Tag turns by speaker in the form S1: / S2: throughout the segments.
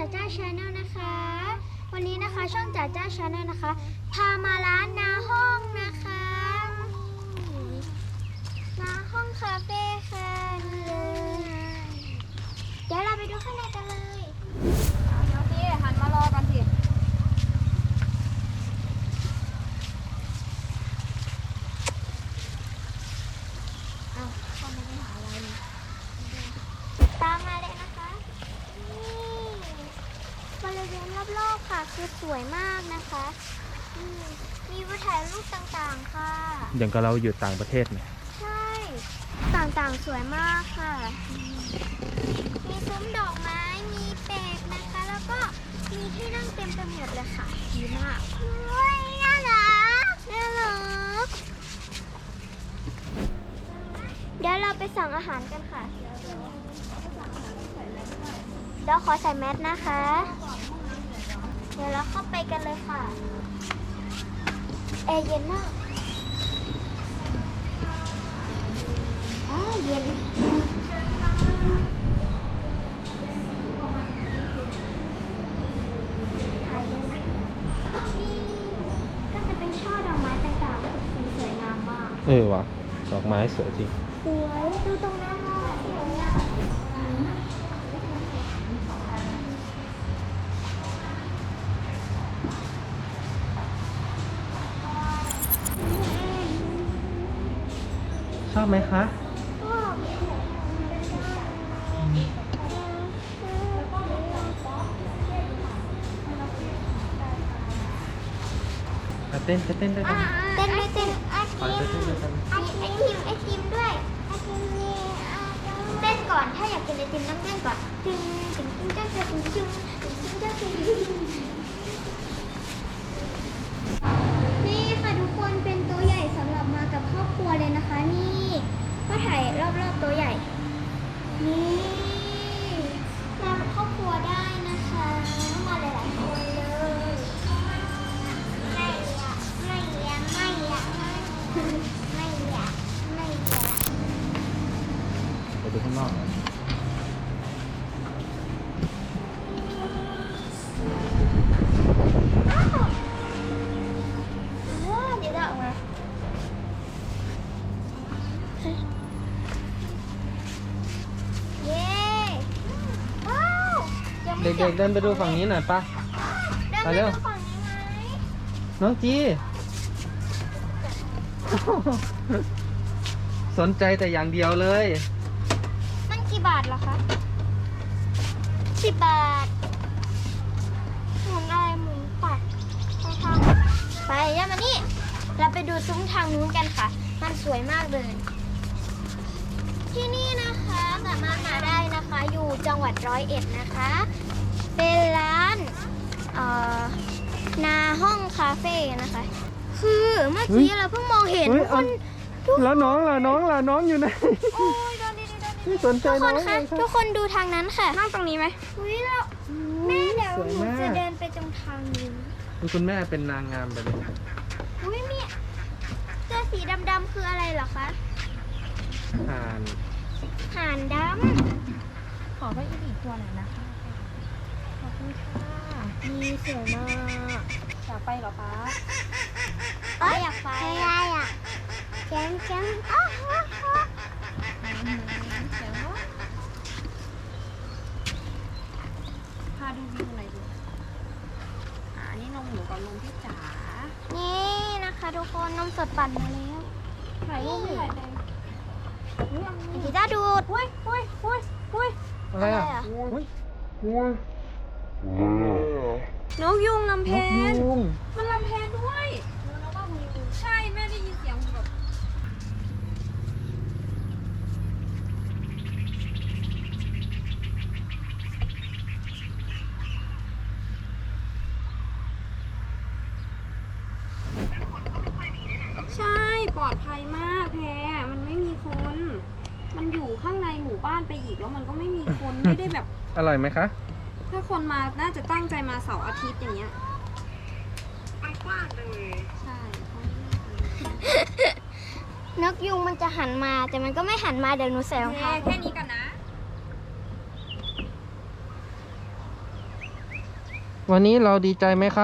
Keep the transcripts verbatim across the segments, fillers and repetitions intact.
S1: จ๋าจ้าชาแนลนะคะวันนี้นะคะช่องจ๋าจ้าชาแนลนะคะพามาร้านนาห้องนะคะนาห้องคาเฟ่ค่ะนี่เลยเดี๋ยวเราไปดูข้างในกันเลย
S2: เดี๋ยวพี่หันมารอกันสิ
S1: เอาเข้ามาได้หาอะไรตามมาเลยนะคะนี่บริเวณรอบๆค่ะคือสวยมากนะคะมีวิวถ่ายรูปต่างๆค่ะ
S3: อย่างกับเราอยู่ต่างประเทศเนี่ย
S1: ใช่ต่างๆสวยมากค่ะมีซุ้มดอกไม้มีเป็ดนะคะแล้วก็มีที่นั่งเต็มไปหมดเลยค่ะดีมากเฮ้ยน่ารักน่ารักเดี๋ยวเราไปสั่งอาหารกันค่ะเดี๋ยวขอใส่แมสนะคะเดี๋ยวเราเข้าไปกันเลยค่ะแอร์เย็นมากอ้าวเย็นก็จะเป็นช่อดอกไม้ต่างๆสีสวยงามมาก
S3: เออว่ะดอกไม้สวยจริง
S1: สวยดูตรงนั้นเลยสวยอ่ะ
S3: ชอบไหมคะเต้นจะเต้นด้วยกัน
S1: เต้นด้วยเต้นไอ
S3: ขอ
S1: ที
S3: จะเต้นด้วยกัน
S1: มไอทีมไอทีมด้วยไอทีมนี่เต้นก่อนถ้าอยากกินไอติมต้องเต้นก่อนตึงตึงตึงตึงตึงตึงตึงตึงตึงตึงนี่ค่ะทุกคนเป็นโต๊ะใหญ่สำหรับมากับครอบครัวเลยนะคะนี่ก็ถ่ายรอบๆโต๊ะใหญ่นี่มากับครอบครัวได้นะคะมาหลายๆคนเลยไม่อยากไม่อยากไม่อยากไม่อยากไม่อยาก
S3: ไปดูข้างนอก
S1: ว้าวเดี๋ยวจะออกมาเย้ว้าวยังไม่
S3: เด็กๆเดินไปดูฝั่งนี้หน่อยป่ะ
S1: เดิน
S3: ไป
S1: ไป
S3: เร็ว
S1: ดูฝั่งนี้ไหม
S3: น้องจี สนใจแต่อย่างเดียวเลย
S1: มันกี่บาทเหรอคะสิบบาทหมุนอะไรหมุนปัดไปทางไปย่ามานี่เราไปดูซุ้มทางนู้นกันค่ะมันสวยมากเลยที่นี่นะคะสามารถมาได้นะคะอยู่จังหวัดร้อยเอ็ดนะคะเป็นร้านเอ่อนาห้องคาเฟ่นะคะ คือเมื่อกี้เราเพิ่งมองเห็นทุกคนทุก
S3: แล้วน้องล่ะน้องล่ะน้องอยู่ไหน
S1: โอ้ยโดนดีโดนดี
S3: ไม่สนใจ
S1: ทุกค
S3: น้อน ง
S1: คะ
S3: เลย
S1: ทุกคนดูทางนั้นค่ะ
S2: นั่งตรงนี้ไหม
S1: อุ้ยแล้วแม่เดี๋ยว
S3: สวย
S1: หนู
S3: มาก
S1: จะเดินไปตรงทางนี้
S3: คุณแม่เป็นนางงามไปเลย
S1: อุ้ยมีเสื้อสีดำๆคืออะไรเหรอคะ
S3: ผ่าน
S1: ห่านด
S2: ขอไปอีกอีกตัวหน่อยนะคะ
S1: ำขอบคุณค่ะมีสวยมาก
S2: อยากไปเหรอป้า
S1: เอ้ยอยากไปอะไรอ่ะแจ้งแจ้งอ้าว
S2: เสียงว่าพาดูวิวหน่อยดูอ่านี่นมหนูกับนมพี่จ๋า
S1: นี่นะคะทุกคนนมสดปั่นมาแล้ว
S2: ถ่ายรูปไม่ถ่ายเลยเรื่องนี้
S1: กีตาร์ดูด
S2: อุ้ยอุ้ยอุ้ยอุ้ย
S3: อะไรอ่ะ
S1: อะไรอ่ะ
S3: อุ้ยอุ้ย
S2: นกยุงลำเพ
S3: นก
S2: น
S3: ยุง
S2: มันลำเพนด้วยใช่แม่ได้ยินเสียงแบบใช่ปลอดภัยมากแพรมันไม่มีคน มันอยู่ข้างในหมู่บ้านไปอีกแล้วมันก็ไม่มีคน ไม่ได้แบบ
S3: อร่อยไหมคะ
S2: ถ้าคนมาน่าจะตั้งใจมาเสาร์อาทิตย์อย่างเงี้ยมันกว้างเลยใช่
S1: นกยุงมันจะหันมาแต่มันก็ไม่หันมาเดี๋ยวหนูใส่รองเท้า
S2: แค่นี้กันนะ
S3: วันนี้เราดีใจไหมคะ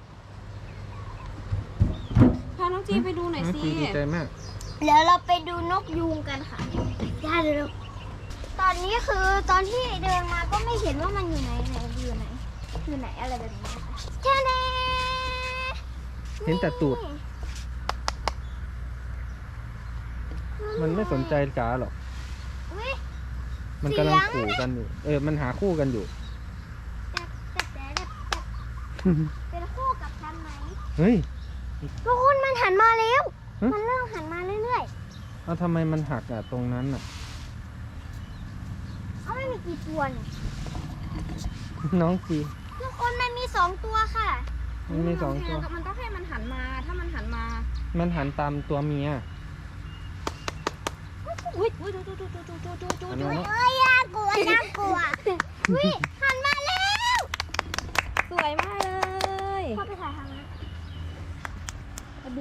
S2: พาน้องจีไปดูหน่อย
S3: น้อง
S2: สิ
S3: จีดีใจมาก
S1: เดี๋ยวเราไปดูนกยูงกันค่ะได้เลยลูกตอนนี้คือตอนที่เดินมาก็ไม่เห็นว่ามันอยู่ไหนไหนอยู่ไหนอยู่ไหนอะไรแบบนี้นะคะแค่นี้
S3: เห็นแต่ตูด มันไม่สนใจจ๋าหรอก
S1: อุ๊ย
S3: มันกำลัง
S1: เสียง
S3: ขู่กันอยู่ เออ มันหาคู่กันอยู่
S1: แต่แต่แต่แต่เป็นคู่กับฉันไหม
S3: เฮ้ย
S1: ทุกคนมันหันมาแล้ว
S3: ฮะ
S1: มันเริ่มหันมาเรื่อย
S3: เอาทำไมมันหักอะตรงนั้นอะ
S1: ๆเอาไม่มีกี่ตัวเนี่ย
S3: น้องจี
S1: ทุกคนมันมีสองตัวค่ะ
S3: มันมีสองตัว
S2: มันต้องให้มันหันมา ถ้ามันหันมา
S3: มันหันตามตัวเมีย
S1: อุ้ยอุ้ยดูดูดูดูดูดูดู
S3: อัน
S1: ดู
S3: นั้น
S1: เอ้ยน่ากลัวน่ากลัวอุ้ยหันมาแล้ว
S2: สวยมากเลย
S1: พ่อไปถ่ายทางนั้นดี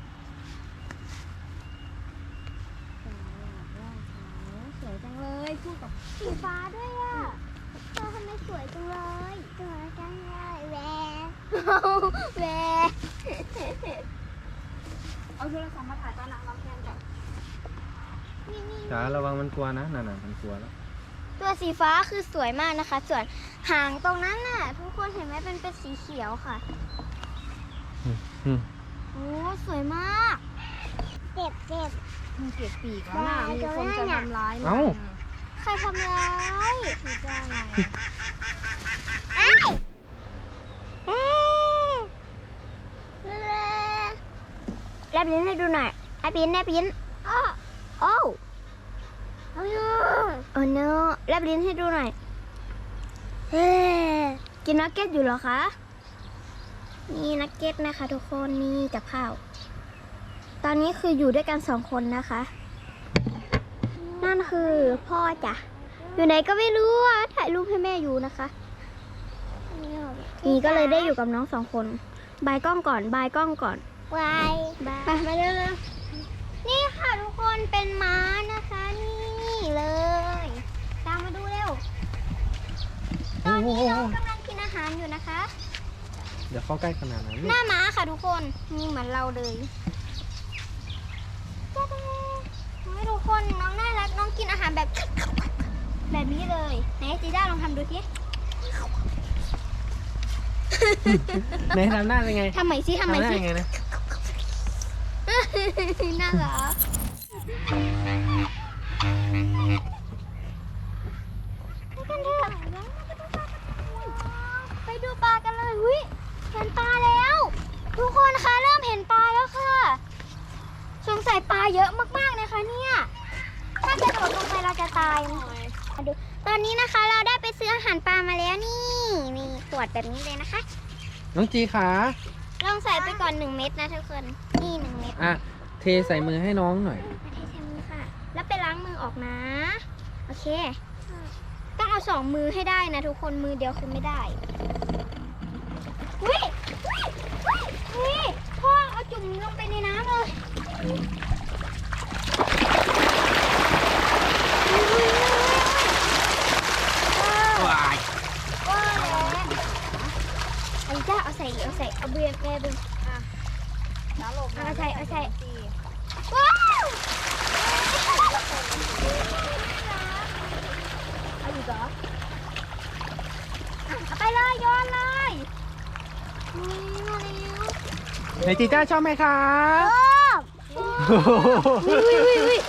S2: สวยจังเลยพูดกับ
S1: สีฟ้าด้วยอ่ะเธอทำไมสวยจังเลยสวยจังเลยแหวแหว
S2: เอาโทรศัพท์มาถ่ายตอนนางรำแทนก่อน
S1: นี่นี่
S3: จ๋าระวังมันกลัวนะนั่นน่ะมันกลัวแล้ว
S1: ตัวสีฟ้าคือสวยมากนะคะ ส่วนหางตรงนั้นน่ะ ทุกคนเห็นไหมเป็นเป็นสีเขียวค่ะ
S3: อืมอืม
S1: โอ้สวยมากเจ็บเจ็บ
S2: มันเก็บปีกแล้วนะมีคนจะทำร้ายมัน
S3: เอ้า
S1: ใครทำร้าย
S2: คือจะอะไร
S1: เอ้ยเอ้ยแลบลิ้นให้ดูหน่อยแลบลิ้นแลบลิ้นอ้อโอ้โอ้โอ้ no แลบลิ้นให้ดูหน่อยเฮ้กินนักเก็ตอยู่เหรอคะนี่นักเก็ตนะคะทุกคนนี่กับข้าวตอนนี้คืออยู่ด้วยกันสองคนนะคะ นั่นคือพ่อจ้ะอยู่ไหนก็ไม่รู้อ่ะถ่ายรูปให้แม่อยู่นะคะนี่ก็เลยได้อยู่กับน้องสองคนบายกล้องก่อนบายกล้องก่อนบายบายมาเร็วๆนี่ค่ะทุกคนเป็นม้านะคะ นี่เลยตามมาดูเร็วตอนนี้น้องกำลังกินอาหารอยู่นะคะ
S3: เดี๋ยวเข้าใกล้ขนาดนั้น
S1: หน้าม้าค่ะทุกคนมีเหมือนเราเลยจ๊ะเด้ให้ทุกคนน้องน่ารักน้องกินอาหารแบบ แบบนี้เลยไหนจีด้าลองทำดูสิ
S3: ไหนทำหน้าเป็นไง
S1: ทำใหม่สิทำใหม่
S3: หน้า
S1: สิ
S3: ยังไงนะ
S1: น่ารักไปกันเถอะไปดูปลากันเลยหุ้ยเห็นปลาแล้ว ทุกคนคะเริ่มเห็นปลาแล้วค่ะ สงสัยปลาเยอะมากๆนะคะเนี่ยถ้ากระโดดลงไปเราจะตายมาดูตอนนี้นะคะเราได้ไปซื้ออาหารปลามาแล้วนี่มีขวดแบบนี้เลยนะคะ
S3: น้องจีขา
S1: ลองใส่ไปก่อนหนึ่งเม็ดนะทุกคนนี่หนึ่งเม็ด
S3: อ่ะ เทใส่มือให้น้องหน่อย
S1: มาเทใส่มือค่ะ แล้วไปล้างมือออกนะโอเค ต้องเอาสองมือให้ได้นะทุกคนมือเดียวคือไม่ได้วิวิวิพ่อเอาจุ่มลงไปในน้ำเลยว้ายว้ายไอ้จ้าเอาใส่เอาใส่เอาเบียร์แกดึง
S2: แล้วหลบ
S1: เอาใส่เอาใส่
S2: จี
S1: ว้าว
S2: เอาอยู่เหรอ
S1: เอาไปเลยโยนเลยนี่มาเร็ว
S3: ไหนจีจ้าชอบไหมคะ
S1: โอ้วิววิววิว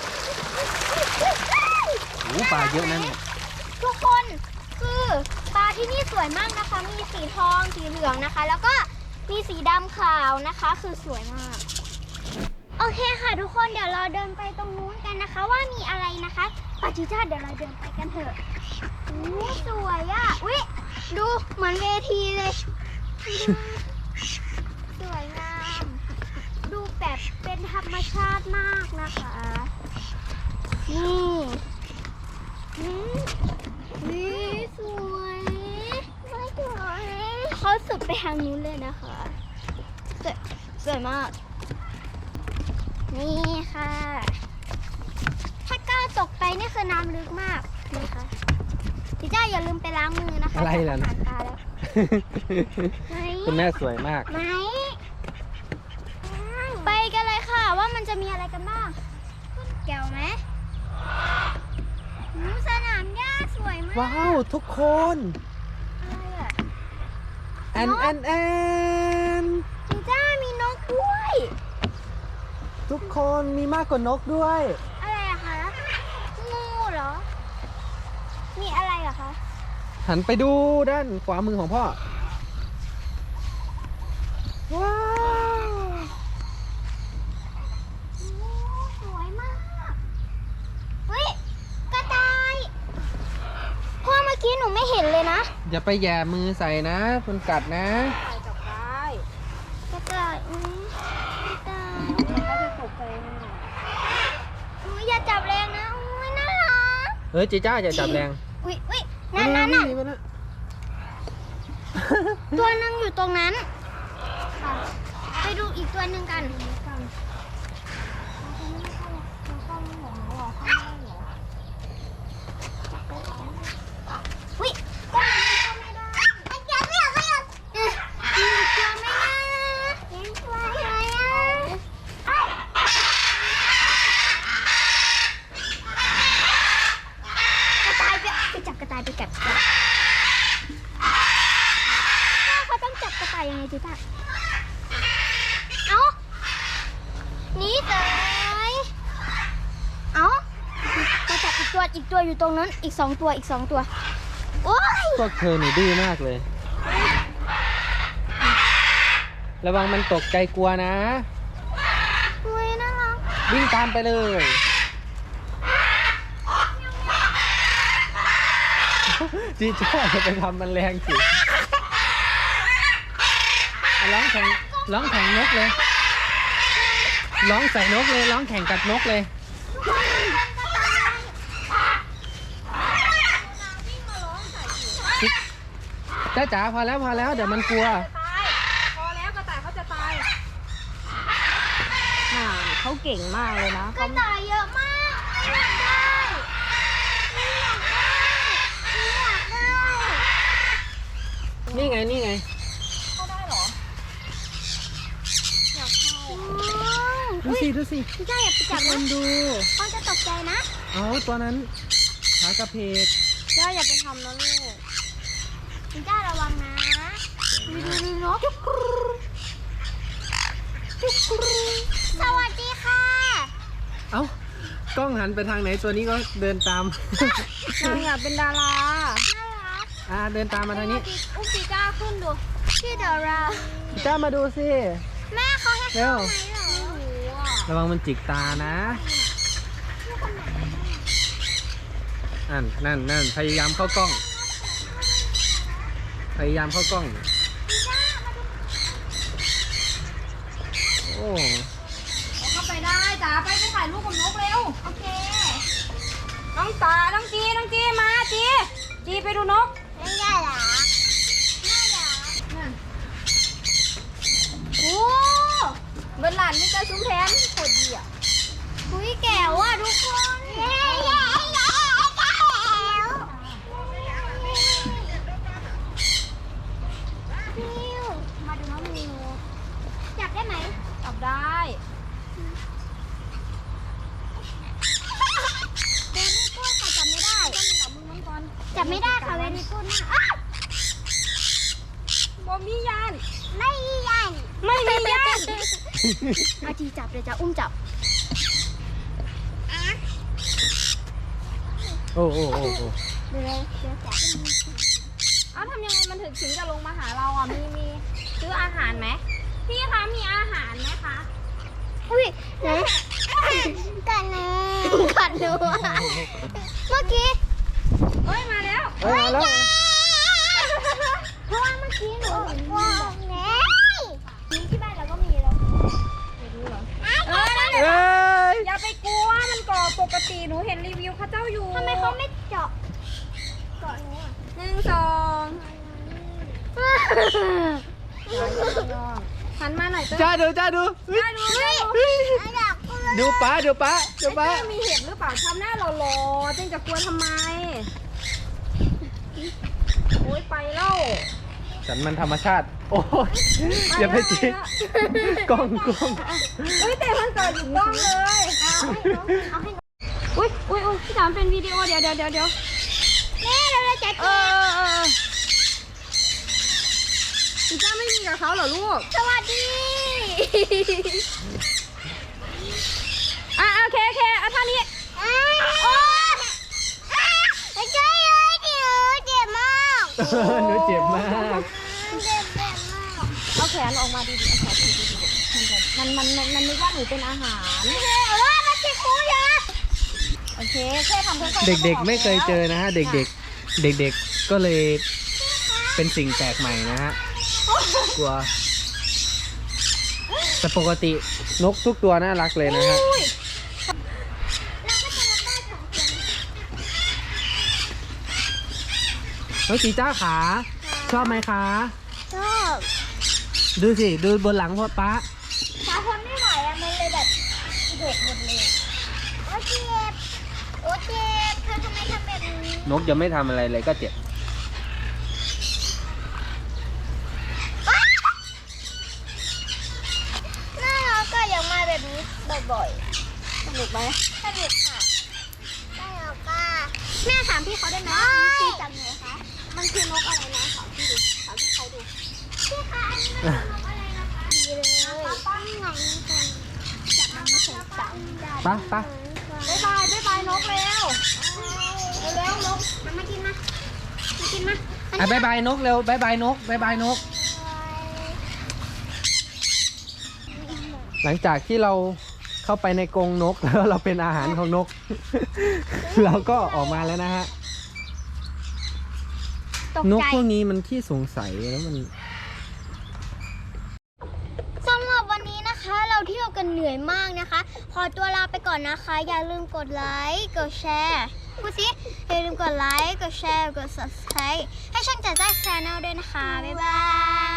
S3: โอ้ปลาเยอะนะเนี่ย
S1: ทุกคนคือปลาที่นี่สวยมากนะคะ มีสีทองสีเหลืองนะคะ แล้วก็มีสีดำขาวนะคะ คือสวยมาก โอเคค่ะทุกคนเดี๋ยวเราเดินไปตรงนู้นกันนะคะ ว่ามีอะไรนะคะปาจิจ้าเดี๋ยวเราเดินไปกันเถอะโอ้สวยอ่ะอุ๊ยดูเหมือนเวทีเลยดูสวยงามดูแบบเป็นธรรมชาติมากนะคะนี่อืมนี่สวยไม่สวยเขาสุดไปทางนู้นเลยนะคะสวยสวยมาก นี่ค่ะ ถ้าก้าวตกไปนี่คือน้ำลึกมากนะคะพี่จ้าอย่าลืมไปล้างมือนะคะ
S3: อะไรล่ะ
S1: จากอาหารปลาแล้วไหน
S3: คุณแม่สวยมาก
S1: ไหนไปกันเลยค่ะว่ามันจะมีอะไรกันบ้างแก้วไหมหูสนามหญ้าสวยมาก
S3: ว้าวทุกคน
S1: อะไรอ่ะ
S3: แอนแอนแอน
S1: จีจ้ามีนกด้วย
S3: ทุกคนมีมากกว่านกด้วย
S1: อะไรอะคะงูเหรอ มีอะไรเหรอคะ
S3: หันไปดูด้านขวามือของพ่อ ว้าว
S1: โอ้สวยมากเฮ้ยกระต่ายพ่อเมื่อกี้หนูไม่เห็นเลยนะ
S3: อย่าไปแย่มือใส่นะมันกัดนะ
S2: ใส่จับได้
S1: กระต่ายอุ้ยกระต่าย
S2: เขาจะตกใจไหม
S1: อุ้ยอย่าจับแรงนะอุ้ยน่ารัก
S3: เฮ้ยจีจ้าอย่าจับแรง
S1: อุ้ยอุ้ยนั่นนั่นน่ะ
S3: ไปนะ
S1: ตัวหนึงอยู่ตรงนั้นค่ะไปดูอีกตัวหนึ่งกันอุ้ยก็มันเข้าไม่ได้ไอ้เจ้าไม่เอาไม่เอาเอ๊ะมีอีกตัวไหมนะเห็นตัวไหนอ่ะเอ้ยกระต่ายไปไปจับกระต่ายไปจับพ่อเขาต้องจับกระต่ายยังไงจีจ้าเอาหนีเลยเอามาจับอีกตัวอีกตัวอยู่ตรงนั้นอีกสองตัวอีกสองตัวโอ้ย
S3: พวกเธอนี่ดื้อมากเลย ระวังมันตกใจกลัวนะ
S1: อุ้ยน่ารัก
S3: วิ่งตามไปเลย จีจ้าอย่าไปทำมันแรงสิอ่ะร้องแข่งร้องแข่งนกเลย ร้องใส่นกเลยร้องแข่งกับนกเลยจ้าจ๋าพอแล้วพอแล้วเดี๋ยวมันกลัว
S2: ตายพอแล้วกระต่ายเขาจะตายน่าเขาเก่งมากเลยนะ
S1: ก
S2: เขา
S1: ระต่ายเยอะมากอยากได้อยากได้อยากได้
S3: นี่ไงนี่ไง
S2: เข้าได้เหรออยากเข้า
S3: ดูสิดูสิ
S1: พี่จ้าอย่าไปจับ
S3: ค
S1: นะ
S3: นดู
S1: เขาจะตกใจนะ
S3: เอาตัวนั้นขากระเพก
S2: เจ้าอย่าไปทำนะลูก
S1: พี่จ้าระวังนะดูดูดูนกสวัสดีค่ะ
S3: เอ้ากล้องหันไปทางไหนตัวนี้ก็เดินตาม
S2: นางอยากเป็นดารา
S1: น่ารัก
S3: อ่าเดินตามมาทางนี้
S2: อุ้มปีก้าขึ้นดู
S1: ชื่อดอรา
S3: จ้ามาดูสิ
S1: แม่เขาให้
S3: เร็
S1: เข้าว ไหมเหรอ
S2: ไม่รู้อ่ะ
S3: ระวังมันจิกตานะนั่นนั่นนั่นพยายามเข้ากล้อง พยายามเข้ากล้อง โอ้
S2: เข้าไปได้จ๋าไปไปถ่ายรูปกับนกเร็ว
S1: โอเค
S2: น้องตาน้องจีน้องจีมาจีจีไปดูนก
S1: ไม่ได้หรอน่ารัก
S2: นั่น
S1: โอ้
S2: เบนหลานนี่จะซุ้มแทนโคตรดีอ่ะ
S1: คุยแก้วอ่ะทุกคนเย้เย้เย้แก้วมิวมาดูน้องมิวจับได้ไหม
S2: จับได้
S1: เวรี่กูดค่ะจับไม่ได้
S2: ต้องมีหลับมือมันก่อน
S1: จับไม่ได้ค่ะเวรี่กูดมากอ้าว
S2: บอมียาน
S1: ไม่ยัน
S2: ไม่มียาน
S1: อาจีจับเลยจ้ะอุ้มจับ
S3: โอ้โอ้โอ้โอ้
S1: เดี๋ยวเลยเดี๋ยวจับ
S2: เอ้าทำยังไงมันถึงถึงจะลงมาหาเราอ่ะมีมีซื้ออาหารไหมพี่คะมีอาหารไหมคะ
S1: อุ้ยไหนกัดหนูกัดหนูอะเมื่อกี้
S2: เอ้ยมาแล้ว
S3: เอ้ยมาแล้ว
S1: เพราะว่าเมื่อกี้หนูเห็นว้าวแม่นี่ที่บ้านเราก็มีแล้ว
S2: เออนั่นแหละ
S3: เอ้ย
S2: อย่าไปกลัวมันก่อปกติหนูเห็นรีวิวเขาเจ้าอยู่
S1: ทำไมเขาไม่เจาะเกาะหนูอ่ะ
S2: หนึ่งสองหันมาหน่อยเจ้า
S3: จ้าดูจ้าดู
S2: จ้าดูจ้าดู
S1: อยากกลัว
S3: ดูป้าดูป้าดู
S2: ไอ้
S3: ป้า
S2: เจ้ามีเห็บหรือเปล่าทำหน้าหล่อๆจึงจะกลัวทำไมโอ้ยไปแล้ว
S3: สันมันธรรมชาติ โอ้ยอย่าไปจิกกล้องกล้อง
S2: เฮ้ยแต่มันเกิดอยู่กล้องเลยเอาให้น้องเอาให้น้องอุ้ยอุ้ยอุ้ยพี่ถามเป็นวิดีโอเดี๋ยวเดี๋ยวเดี๋ยวเดี๋ยว
S1: แม่เราจะ
S2: เออเออพี่จ้าไม่มีกับเขาเหรอลูก
S1: สวัสดี
S2: อ่ะโอเคโอเคเอาท่านี้
S1: โอ้ไม่ใช่เลยเดี๋ยวเจ็บมาก
S3: หนูเจ็บมาก
S1: เจ็บเจ็บมาก
S2: เอาแขนออกมาดีๆเอาแขนดีๆมันมันมันมันนึกว่าหนูเป็นอาหาร
S1: เออมาสิครูยา
S2: โอเคแค่ทำค่อยๆ
S3: เด็กๆไม่เคยเจอนะฮะ เด็กๆ เด็กๆ ก็เลยเป็นสิ่งแปลกใหม่นะฮะ กลัว แต่ปกตินกทุกตัวน่ารักเลยนะฮะ
S2: อุ้ย
S3: น้องจีจ้าขา ชอบไหมคะ
S1: ชอบ
S3: ดูสิ ดูบนหลังพ่อป๊า
S1: ขาทนไม่ไหวอะมันเลยแบบเด็กหมดเลยโอ้เจ็บโอ้เจ็บเธอทำไมทำแบบนี้
S3: นกยังไม่ทำอะไรเลยก็เจ็บ
S1: น่ารักก็อยากมาแบบนี้บ่อยๆ
S2: สนุกไหม
S1: สนุกค่ะน่ารักก็แม่ถามพี่เขาได้ไหมพี่จำไงคะ
S2: มันคือนกอะไรนะถามพี่ดูถามพี่เขาดู
S1: พี่คะอันนี้มันเป็นนกอะไรนะคะดีเลยป้อนหนังกันจับมันไม่ใส่ตัง
S3: ปะปะ
S2: บ๊ายบายบ๊ายบายนกเร็วเร็วๆนก
S1: มันมากินมามากินมา
S3: อ่ะบายบายนกเร็วบายบายนกบายบายนก หลังจากที่เราเข้าไปในกรงนก แล้วเราเป็นอาหารของนก เราก็ออกมาแล้วนะฮะ
S1: ตก
S3: นก
S1: ใจ
S3: พวกนี้มันขี้สงสัยแล้วมัน
S1: สำหรับวันนี้นะคะ เราเที่ยวกันเหนื่อยมากนะคะ ขอตัวลาไปก่อนนะคะ อย่าลืมกดไลค์กดแชร์พูดสิอย่าลืมกดไลค์กดแชร์กด ซับสไครบ์ ให้ช่องจัดจ้าชาแนลด้วยนะคะ บ๊ายบาย